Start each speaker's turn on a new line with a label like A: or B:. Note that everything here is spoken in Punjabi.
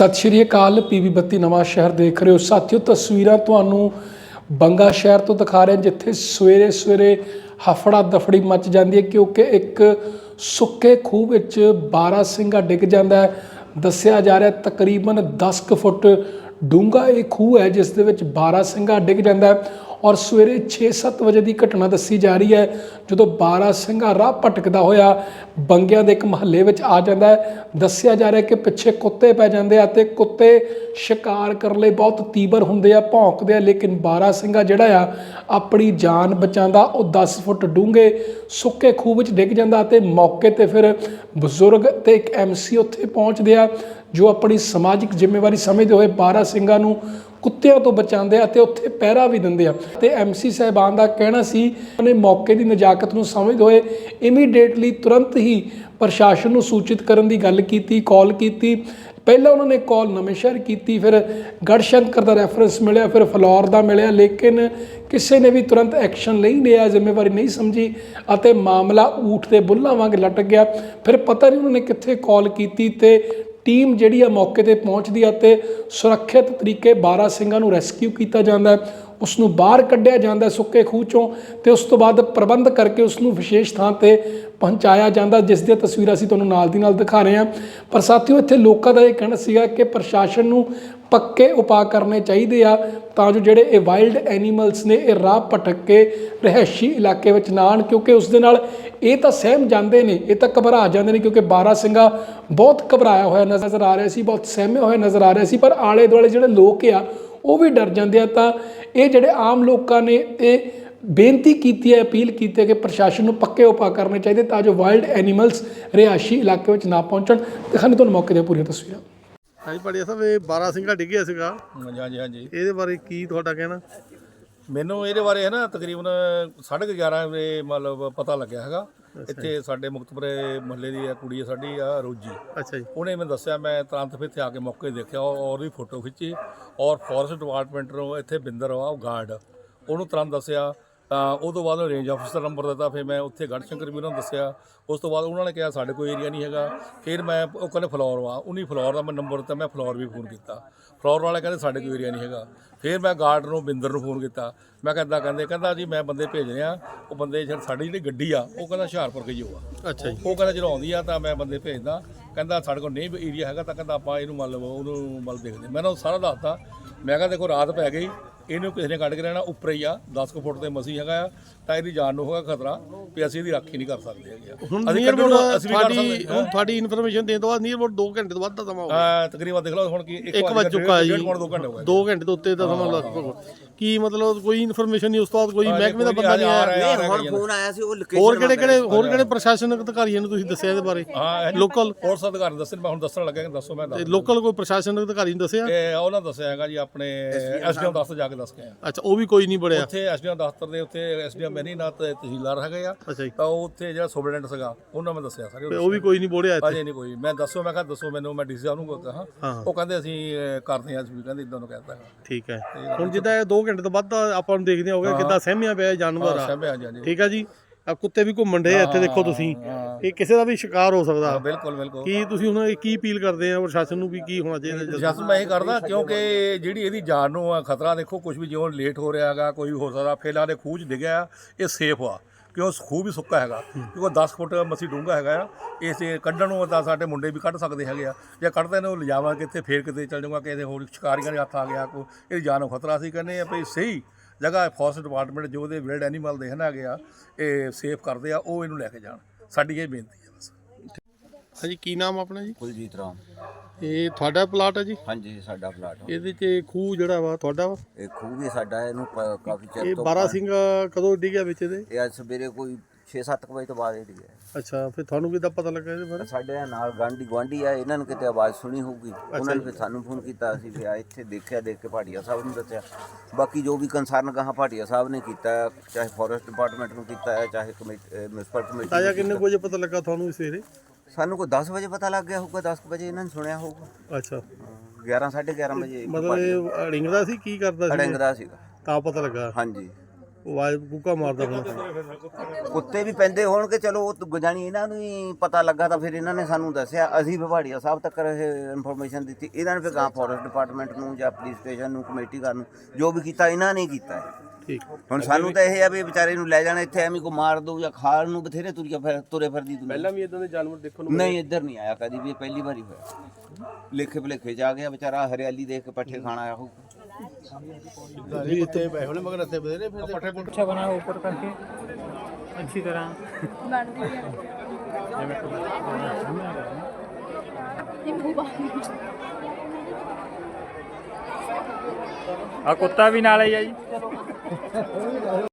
A: सत श्री अकाल पीवी 32 नवां शहर देख रहे हो साथियों। तस्वीरां तुहानूं बंगा शहर तो दिखा रहे हैं जिथे सवेरे सवेरे हफड़ा दफड़ी मच जाती है क्योंकि एक सुक्के खूह विच बारासिंगा डिग जाता है। दस्सिया जा रहा है तकरीबन 10 फुट डूंगा ये खूह है जिस दे विच बारासिंगा डिग जाता है और सवेरे 6-7 बजे की घटना दसी जा रही है जो बारासिंगा राह भटकदा होया बंगिया के एक महल्ले में आ जाता है। दस्सिया जा रहा है कि पिछे कुत्ते पै जाते हैं ते कुत्ते शिकार करने लई बहुत तीबर होंदे आ, भौंकदे आ, लेकिन बारासिंगा जिहड़ा आ अपनी जान बचांदा वो 10 फुट डूंगे सुक्के खूह विच डिग जाता ते मौके ते फिर बजुर्ग ते एक MC उत्थे पहुँचते आ जो अपनी समाजिक जिम्मेवारी समझते हुए बारासिंगा नूं कुत्तिਆਂ ਤੋਂ ਬਚਾਉਂਦੇ ਆ ਤੇ ਉੱਥੇ ਪਹਿਰਾ ਵੀ ਦਿੰਦੇ ਆ ਤੇ MC ਸਾਹਿਬਾਨ ਦਾ ਕਹਿਣਾ ਸੀ ਉਹਨੇ ਮੌਕੇ ਦੀ ਨਜਾਕਤ ਨੂੰ ਸਮਝਦੇ ਹੋਏ ਇਮੀਡੀਏਟਲੀ ਤੁਰੰਤ ਹੀ ਪ੍ਰਸ਼ਾਸਨ ਨੂੰ ਸੂਚਿਤ ਕਰਨ ਦੀ ਗੱਲ ਕੀਤੀ, ਕਾਲ ਕੀਤੀ। ਪਹਿਲਾਂ ਉਹਨਾਂ ਨੇ ਕਾਲ ਨਵੇਂ-ਸ਼ਹਿਰ ਕੀਤੀ, ਫਿਰ ਗੜਸ਼ੰਕਰ ਦਾ ਰੈਫਰੈਂਸ ਮਿਲਿਆ, ਫਿਰ ਫਲੌਰ ਦਾ ਮਿਲਿਆ, ਲੇਕਿਨ ਕਿਸੇ ਨੇ ਵੀ ਤੁਰੰਤ ਐਕਸ਼ਨ ਨਹੀਂ ਲਿਆ, ਜ਼ਿੰਮੇਵਾਰੀ ਨਹੀਂ ਸਮਝੀ ਅਤੇ ਮਾਮਲਾ ਊਠ ਦੇ ਬੁੱਲਾਂ ਵਾਂਗ ਲਟਕ ਗਿਆ। ਫਿਰ ਪਤਾ ਨਹੀਂ ਉਹਨਾਂ ਨੇ ਕਿੱਥੇ ਕਾਲ ਕੀਤੀ ਤੇ ਟੀਮ ਜਿਹੜੀ ਆ ਮੌਕੇ ਤੇ ਪਹੁੰਚਦੀ ਆ ਤੇ ਸੁਰੱਖਿਅਤ ਤਰੀਕੇ ਬਾਰਾਸਿੰਗਾ ਨੂੰ ਰੈਸਕਿਊ ਕੀਤਾ ਜਾਂਦਾ, ਉਸ ਨੂੰ ਬਾਹਰ ਕੱਢਿਆ ਜਾਂਦਾ ਸੁੱਕੇ ਖੂਹ ਚੋਂ ਤੇ ਉਸ ਤੋਂ ਬਾਅਦ ਪ੍ਰਬੰਧ ਕਰਕੇ ਉਸ ਨੂੰ ਵਿਸ਼ੇਸ਼ ਥਾਂ ਤੇ ਪਹੁੰਚਾਇਆ ਜਾਂਦਾ ਜਿਸ ਦੀਆਂ ਤਸਵੀਰਾਂ ਅਸੀਂ ਤੁਹਾਨੂੰ ਨਾਲ ਦੀ ਨਾਲ ਦਿਖਾ ਰਹੇ ਹਾਂ। ਪਰ ਸਾਥੀਓ ਇੱਥੇ ਲੋਕਾਂ ਦਾ ਇਹ ਕਹਿਣਾ ਸੀਗਾ ਕਿ ਪ੍ਰਸ਼ਾਸਨ ਨੂੰ ਪੱਕੇ ਉਪਾਅ ਕਰਨੇ ਚਾਹੀਦੇ ਆ ਤਾਂ ਜੋ ਜਿਹੜੇ ਇਹ ਵਾਈਲਡ ਐਨੀਮਲਸ ਨੇ ਇਹ ਰਾਹ ਭਟਕ ਕੇ ਰਿਹਾਇਸ਼ੀ ਇਲਾਕੇ ਵਿੱਚ ਨਾ ਆਉਣ ਕਿਉਂਕਿ ਉਸ ਦੇ ਨਾਲ ਇਹ ਤਾਂ ਸਹਿਮ ਜਾਂਦੇ ਨੇ, ਇਹ ਤਾਂ ਘਬਰਾ ਜਾਂਦੇ ਨੇ ਕਿਉਂਕਿ ਬਾਰਾਸਿੰਗਾ ਬਹੁਤ ਘਬਰਾਇਆ ਹੋਇਆ ਨਜ਼ਰ ਆ ਰਿਹਾ ਸੀ, ਬਹੁਤ ਸਹਿਮੇ ਹੋਏ ਨਜ਼ਰ ਆ ਰਿਹਾ ਸੀ। ਪਰ ਆਲੇ ਦੁਆਲੇ ਜਿਹੜੇ ਲੋਕ ਆ ਉਹ ਵੀ ਡਰ ਜਾਂਦੇ ਆ। ਤਾਂ ਇਹ ਜਿਹੜੇ ਆਮ ਲੋਕਾਂ ਨੇ ਇਹ ਬੇਨਤੀ ਕੀਤੀ ਹੈ, ਅਪੀਲ ਕੀਤੀ ਹੈ ਕਿ ਪ੍ਰਸ਼ਾਸਨ ਨੂੰ ਪੱਕੇ ਉਪਾਅ ਕਰਨੇ ਚਾਹੀਦੇ ਤਾਂ ਜੋ ਵਾਈਲਡ ਐਨੀਮਲਸ ਰਿਹਾਇਸ਼ੀ ਇਲਾਕੇ ਵਿੱਚ ਨਾ ਪਹੁੰਚਣ। ਦਿਖਾਣੇ ਤੁਹਾਨੂੰ ਮੌਕੇ ਦੀਆਂ ਪੂਰੀਆਂ ਤਸਵੀਰਾਂ।
B: ਹਾਂਜੀ ਭਾਟੀਆ ਸਾਹਿਬ, ਇਹ ਬਾਰਾਸਿੰਗਾ ਡਿੱਗਿਆ ਸੀਗਾ।
C: ਹਾਂਜੀ
B: ਇਹਦੇ ਬਾਰੇ ਕੀ ਤੁਹਾਡਾ ਕਹਿਣਾ?
C: ਮੈਨੂੰ ਇਹਦੇ ਬਾਰੇ ਹੈ ਨਾ ਤਕਰੀਬਨ 11:30 ਵਜੇ ਮਤਲਬ ਪਤਾ ਲੱਗਿਆ ਹੈਗਾ। ਇੱਥੇ ਸਾਡੇ ਮੁਕਤਪੁਰੇ ਮੁਹੱਲੇ ਦੀ ਕੁੜੀ ਹੈ ਸਾਡੀ ਆ ਰੋਜੀ।
B: ਅੱਛਾ ਜੀ।
C: ਉਹਨੇ ਮੈਨੂੰ ਦੱਸਿਆ, ਮੈਂ ਤੁਰੰਤ ਫਿਰ ਇੱਥੇ ਆ ਕੇ ਮੌਕੇ ਦੇਖਿਆ ਔਰ ਵੀ ਫੋਟੋ ਖਿੱਚੀ ਔਰ ਫੋਰੈਸਟ ਡਿਪਾਰਟਮੈਂਟ ਨੂੰ ਇੱਥੇ ਬਿੰਦਰ ਆ ਗਾਰਡ ਉਹਨੂੰ ਤੁਰੰਤ ਦੱਸਿਆ। ਤਾਂ ਉਹ ਤੋਂ ਬਾਅਦ ਰੇਂਜ ਆਫਿਸਰ ਦਾ ਨੰਬਰ ਦਿੱਤਾ, ਫਿਰ ਮੈਂ ਉੱਥੇ ਗੜਸ਼ੰਕਰ ਵੀ ਉਹਨਾਂ ਨੂੰ ਦੱਸਿਆ। ਉਸ ਤੋਂ ਬਾਅਦ ਉਹਨਾਂ ਨੇ ਕਿਹਾ ਸਾਡੇ ਕੋਈ ਏਰੀਆ ਨਹੀਂ ਹੈਗਾ। ਫਿਰ ਮੈਂ ਉਹ ਕਹਿੰਦੇ ਫਲੋਰ ਵਾ, ਉਹਨੀ ਫਲੋਰ ਦਾ ਮੈਂ ਨੰਬਰ ਦਿੱਤਾ, ਮੈਂ ਫਲੋਰ ਵੀ ਫੋਨ ਕੀਤਾ। ਫਲੋਰ ਵਾਲੇ ਕਹਿੰਦੇ ਸਾਡੇ ਕੋਈ ਏਰੀਆ ਨਹੀਂ ਹੈਗਾ। ਫਿਰ ਮੈਂ ਗਾਰਡ ਨੂੰ ਬਿੰਦਰ ਨੂੰ ਫੋਨ ਕੀਤਾ, ਮੈਂ ਕਿਹਾ ਇੱਦਾਂ ਕਹਿੰਦਾ ਜੀ ਮੈਂ ਬੰਦੇ ਭੇਜ ਰਿਹਾ। ਉਹ ਬੰਦੇ ਸਾਡੀ ਜਿਹੜੀ ਗੱਡੀ ਆ ਉਹ ਕਹਿੰਦਾ ਹੁਸ਼ਿਆਰਪੁਰ ਗਈ ਹੋਆ।
B: ਅੱਛਾ ਜੀ।
C: ਉਹ ਕਹਿੰਦਾ ਜਦੋਂ ਆਉਂਦੀ ਆ ਤਾਂ ਮੈਂ ਬੰਦੇ ਭੇਜਦਾ। ਕਹਿੰਦਾ ਸਾਡੇ ਕੋਲ ਨਹੀਂ ਏਰੀਆ ਹੈਗਾ ਤਾਂ ਕਹਿੰਦਾ ਆਪਾਂ ਇਹਨੂੰ ਮਤਲਬ ਉਹਨੂੰ ਦੇਖਦੇ। ਮੈਂ ਉਹਨੂੰ ਸਾਰਾ ਦੱਸਤਾ। ਮੈਂ ਕਿਹਾ ਦੇਖੋ ਰਾਤ ਪੈ ਗਈ, ਇਹਨੂੰ ਕਿਸੇ ਨੇ ਕੱਢ ਕੇ ਰਹਿਣਾ ਉੱਪਰ ਹੀ ਆ 10 ਫੁੱਟ ਤੇ ਮਸੀਂ ਹੈਗਾ ਆ ਤਾਂ ਇਹਦੀ ਜਾਨ ਨੂੰ ਹੋਗਾ ਖਤਰਾ ਵੀ ਅਸੀਂ ਇਹਦੀ ਰਾਖੀ ਨਹੀਂ ਕਰ ਸਕਦੇ ਹੈਗੇ।
B: ਤੁਹਾਡੀ ਇਨਫੋਰਮੇਸ਼ਨ ਦੇਣ ਤੋਂ ਬਾਅਦ ਨੀਅਰ ਅਬਾਊਟ 2 ਘੰਟੇ ਤੋਂ ਵੱਧ ਦਾ ਸਮਾਂ ਹੋ ਗਿਆ।
C: ਤਕਰੀਬਨ ਦੇਖ ਲਓ ਹੁਣ ਕੀ
B: 1 ਵਜ ਚੁੱਕਾ ਜੀ।
C: 2 ਘੰਟੇ ਹੋ ਗਏ।
B: 2 ਘੰਟੇ ਤੋਂ ਉੱਤੇ ਦਾ ਸਮਾਂ ਲੱਗ ਕੀ ਮਤਲਬ ਕੋਈ ਇਨਫੋਰਮੇਸ਼ਨ ਨਹੀਂ? ਉਸ ਤੋਂ ਬਾਅਦ ਕੋਈ ਮਹਿਕਮੇ ਦਾ ਬੰਦਾ ਨਹੀਂ ਆਇਆ?
D: ਹੁਣ ਫੋਨ ਆਇਆ ਸੀ ਉਹ ਲੋਕੇਸ਼ਨ
B: ਹੋਰ ਕਿਹੜੇ ਪ੍ਰਸ਼ਾਸਨਿਕ ਅਧਿਕਾਰੀਆਂ ਨੂੰ ਤੁਸੀਂ ਦੱਸਿਆ ਇਹਦੇ ਬਾਰੇ? ਲੋਕਲ
C: ਫੋਰਸ ਅਧਿਕਾਰੀ ਦੱਸਣ, ਮੈਂ ਹੁਣ ਦੱਸਣ ਲੱਗਾ। ਦੱਸੋ ਮੈਂ
B: ਲੋਕਲ ਕੋਈ ਪ੍ਰਸ਼ਾਸਨਿਕ ਅਧਿਕਾਰੀ ਨੂੰ ਦੱਸਿਆ?
C: ਉਹਨਾਂ ਦੱਸਿਆ ਹੈਗਾ ਜੀ ਆਪਣੇ SDM ਦਫ਼ਤਰ ਜਾ ਕੇ ਦੱਸ ਕੇ ਆਇਆ।
B: ਅੱਛਾ, ਉਹ ਵੀ ਕੋਈ ਨਹੀਂ ਬੜਿਆ
C: ਉੱਥੇ SDM ਦਫ਼ਤਰ ਦੇ ਉੱਤੇ SDM ਮੈਨੀਨਾਥ ਤਹਿਸੀਲਦਾਰ ਹੈਗੇ ਆ।
B: ਅੱਛਾ ਜੀ।
C: ਤਾਂ ਉੱਥੇ ਜਿਹੜਾ ਸੁਪਰਡੈਂਟ ਸੀਗਾ ਉਹਨਾਂ ਮੈਂ ਦੱਸਿਆ ਸਾਰੇ,
B: ਉਹ ਵੀ ਕੋਈ ਨਹੀਂ ਬੋੜਿਆ ਇੱਥੇ?
C: ਅਜੇ ਨਹੀਂ ਕੋਈ। ਮੈਂ ਦੱਸੋ, ਮੈਂ ਕਿਹਾ ਦੱਸੋ ਮੈਨੂੰ, ਮੈਂ DC ਸਾਹਿਬ ਨੂੰ ਕਹਾਂ। ਉਹ ਕਹਿੰਦੇ ਅਸੀਂ ਕਰਦੇ ਹਾਂ, ਅਸੀਂ ਕਹਿੰਦੇ ਇਦਾਂ ਨੂੰ ਕਹਿਤਾ। ਠੀਕ
B: ਹੈ। ਹੁਣ ਜਿੱਦਾਂ ਇਹ 2 ਘੰਟੇ ਤੋਂ ਵੱਧ ਆਪਾਂ ਨੂੰ ਦੇਖਦੇ ਹੋਗੇ ਕਿੱਦਾਂ ਸਹਿਮਿਆ ਪਿਆ ਜਾਨਵਰ ਆ। ਠੀਕ ਆ ਜੀ। ਆ ਕੁੱਤੇ ਵੀ ਘੁੰਮਣ ਡੇ ਇੱਥੇ ਦੇਖੋ ਤੁਸੀਂ, ਇਹ ਕਿਸੇ ਦਾ ਵੀ ਸ਼ਿਕਾਰ ਹੋ ਸਕਦਾ।
C: ਬਿਲਕੁਲ।
B: ਕੀ ਤੁਸੀਂ ਹੁਣ ਕੀ ਅਪੀਲ ਕਰਦੇ ਆ ਪ੍ਰਸ਼ਾਸਨ ਨੂੰ ਵੀ ਕੀ ਹੋਣਾ ਚਾਹੀਦਾ?
C: ਪ੍ਰਸ਼ਾਸਨ ਮੈਂ ਇਹ ਕਰਦਾ ਕਿਉਂਕਿ ਜਿਹੜੀ ਇਹਦੀ ਜਾਨ ਨੂੰ ਖਤਰਾ ਦੇਖੋ ਕੁਝ ਵੀ ਜਿਉਂ ਲੇਟ ਹੋ ਰਿਹਾ ਹੈਗਾ, ਕੋਈ ਹੋ ਸਕਦਾ ਫੇਲਾਂ ਦੇ ਖੂਹ 'ਚ ਡਿੱਗਿਆ, ਇਹ ਸੇਫ ਆ ਕਿਉਂ ਖੂਹ ਵੀ ਸੁੱਕਾ ਹੈਗਾ ਕਿਉਂਕਿ 10 ਫੁੱਟ ਮਸੀਂ ਡੂੰਘਾ ਹੈਗਾ ਆ। ਇਸ ਕੱਢਣ ਨੂੰ ਤਾਂ ਸਾਡੇ ਮੁੰਡੇ ਵੀ ਕੱਢ ਸਕਦੇ ਹੈਗੇ ਆ। ਜੇ ਕੱਢਦੇ ਨੇ ਉਹ ਲਿਜਾਵਾਂ ਕਿੱਥੇ, ਫੇਰ ਕਿਤੇ ਚੱਲ ਜਾਊਗਾ, ਕਿਸੇ ਹੋਰ ਸ਼ਿਕਾਰੀਆਂ ਦੇ ਹੱਥ ਆ ਗਿਆ, ਕੋਈ ਇਹਦੀ ਜਾਨ ਨੂੰ ਖਤਰਾ। ਸੀ ਕਹਿੰਦੇ ਆ ਵੀ ਸਹੀ ਜਗ੍ਹਾ ਫੋਰੈਸਟ ਡਿਪਾਰਟਮੈਂਟ ਜੋ ਉਹਦੇ ਵਾਈਲਡ ਐਨੀਮਲ ਦੇਖਣਾ ਹੈਗੇ ਆ ਇਹ ਸੇਫ ਕਰਦੇ ਆ, ਉਹ ਇਹਨੂੰ ਲੈ ਕੇ ਜਾਣ, ਸਾਡੀ ਇਹ ਬੇਨਤੀ ਹੈ ਬਸ।
B: ਹਾਂਜੀ, ਕੀ ਨਾਮ ਆਪਣਾ ਜੀ?
D: ਕੁਲਜੀਤ ਰਾਮ।
B: ਇਹ ਤੁਹਾਡਾ ਪਲਾਟ ਹੈ ਜੀ?
D: ਹਾਂਜੀ, ਸਾਡਾ ਪਲਾਟ।
B: ਇਹਦੇ 'ਚ ਖੂਹ ਜਿਹੜਾ ਵਾ ਤੁਹਾਡਾ ਵਾ?
D: ਇਹ ਖੂਹ ਵੀ ਸਾਡਾ, ਇਹਨੂੰ ਕਾਫੀ ਚਿਰ
B: ਇਹ
D: ਤੋਂ।
B: ਬਾਰਾਸਿੰਗਾ ਕਦੋਂ ਡਿੱਗਿਆ ਵਿੱਚ ਇਹਦੇ?
D: ਇਹ ਅੱਜ ਸਵੇਰੇ ਕੋਈ 6-7 ਵਜੇ ਤੋਂ ਬਾਅਦ ਇਹ ਡਿੱਗਿਆ।
B: ਅੱਛਾ, ਫਿਰ ਤੁਹਾਨੂੰ ਕਿੱਦਾਂ ਪਤਾ ਲੱਗਾ ਇਹਦੇ ਬਾਰੇ?
D: ਸਾਡੇ ਨਾਲ ਗੁਆਂਢੀ ਆ, ਇਹਨਾਂ ਨੂੰ ਕਿਤੇ ਆਵਾਜ਼ ਸੁਣੀ ਹੋਊਗੀ, ਉਹਨਾਂ ਨੇ ਫਿਰ ਸਾਨੂੰ ਫੋਨ ਕੀਤਾ। ਅਸੀਂ ਫਿਰ ਇੱਥੇ ਦੇਖਿਆ, ਦੇਖ ਕੇ ਭਾਟੀਆ ਸਾਹਿਬ ਨੂੰ ਦੱਸਿਆ। ਬਾਕੀ ਜੋ ਵੀ ਕੰਸਰਨ ਕਹਾ ਭਾਟੀਆ ਸਾਹਿਬ ਨੇ ਕੀਤਾ, ਚਾਹੇ ਫੋਰੈਸਟ ਡਿਪਾਰਟਮੈਂਟ ਨੂੰ ਕੀਤਾ ਹੈ, ਚਾਹੇ ਮਿਊਨਿਸਪਲ ਕਮੇਟੀ।
B: ਤਾਇਆ ਕਿੰਨੇ ਵਜੇ ਪਤਾ ਲੱਗਾ ਤੁਹਾਨੂੰ ਇਸ ਸਵੇਰੇ?
D: ਸਾਨੂੰ ਕੋਈ 10 ਵਜੇ ਪਤਾ ਲੱਗ ਗਿਆ ਹੋਊਗਾ, 10 ਵਜੇ ਇਹਨਾਂ ਨੇ ਸੁਣਿਆ ਹੋਊਗਾ।
B: ਅੱਛਾ,
D: 11 ਸਾਢੇ 11 ਵਜੇ।
B: ਮਤਲਬ ਇਹ ਅੜਿੰਗਦਾ ਸੀ, ਕੀ ਕਰਦਾ ਸੀ?
D: ਅੜਿੰਗਦਾ ਸੀਗਾ
B: ਤਾਂ ਪਤਾ ਲੱਗਾ।
D: ਹਾਂਜੀ।
B: ਉਹ ਆਵਾਜ਼ ਕੂਕਾ ਮਾਰਦਾ ਹੁੰਦਾ।
D: ਕੁੱਤੇ ਵੀ ਪੈਂਦੇ ਹੋਣਗੇ, ਚਲੋ ਉਹ ਗੁਜਾਨੀ ਇਹਨਾਂ ਨੂੰ ਹੀ ਪਤਾ ਲੱਗਾ ਤਾਂ ਫਿਰ ਇਹਨਾਂ ਨੇ ਸਾਨੂੰ ਦੱਸਿਆ, ਅਸੀਂ ਵਿਭਾੜੀਆ ਸਾਹਿਬ ਤੱਕ ਇਹ ਇਨਫੋਰਮੇਸ਼ਨ ਦਿੱਤੀ, ਇਹਨਾਂ ਨੇ ਫਿਰ ਗਾਂ ਫੋਰੈਸਟ ਡਿਪਾਰਟਮੈਂਟ ਨੂੰ ਜਾਂ ਪੁਲਿਸ ਸਟੇਸ਼ਨ ਨੂੰ, ਕਮੇਟੀ ਘਰ ਨੂੰ, ਜੋ ਵੀ ਕੀਤਾ ਇਹਨਾਂ ਨੇ ਕੀਤਾ ਹੈ।
B: ਠੀਕ
D: ਹੁਣ ਸਾਨੂੰ ਤਾਂ ਇਹ ਆ ਵੀ ਵਿਚਾਰੇ ਨੂੰ ਲੈ ਜਾਣਾ ਇੱਥੇ ਐਵੇਂ ਕੋ ਮਾਰ ਦੋ ਜਾਂ ਖਾਣ ਨੂੰ ਬਥੇਰੇ ਤੁਰੇ ਫਿਰਦੀ ਦੁਨੀਆ।
B: ਪਹਿਲਾਂ ਵੀ ਇਦਾਂ ਦੇ ਜਾਨਵਰ ਦੇਖਣ ਨੂੰ
D: ਨਹੀਂ, ਇੱਧਰ ਨਹੀਂ ਆਇਆ ਕਦੀ ਵੀ, ਇਹ ਪਹਿਲੀ ਵਾਰੀ ਹੋਇਆ। ਲੇਖੇ ਭਲੇਖੇ ਜਾ ਗਿਆ ਵਿਚਾਰਾ, ਹਰਿਆਲੀ ਦੇਖ ਕੇ ਪੱਠੇ ਖਾਣ ਆਇਆ ਹੋਊਗਾ।
B: ਇੱਥੇ ਬੈਠੇ ਹੋਣੇ ਮਗਰ ਇੱਥੇ ਬਥੇਰੇ ਪੱਠੇ
E: अच्छा बना है ऊपर करके अच्छी तरह आ कुत्ता भी नाल ही है जी।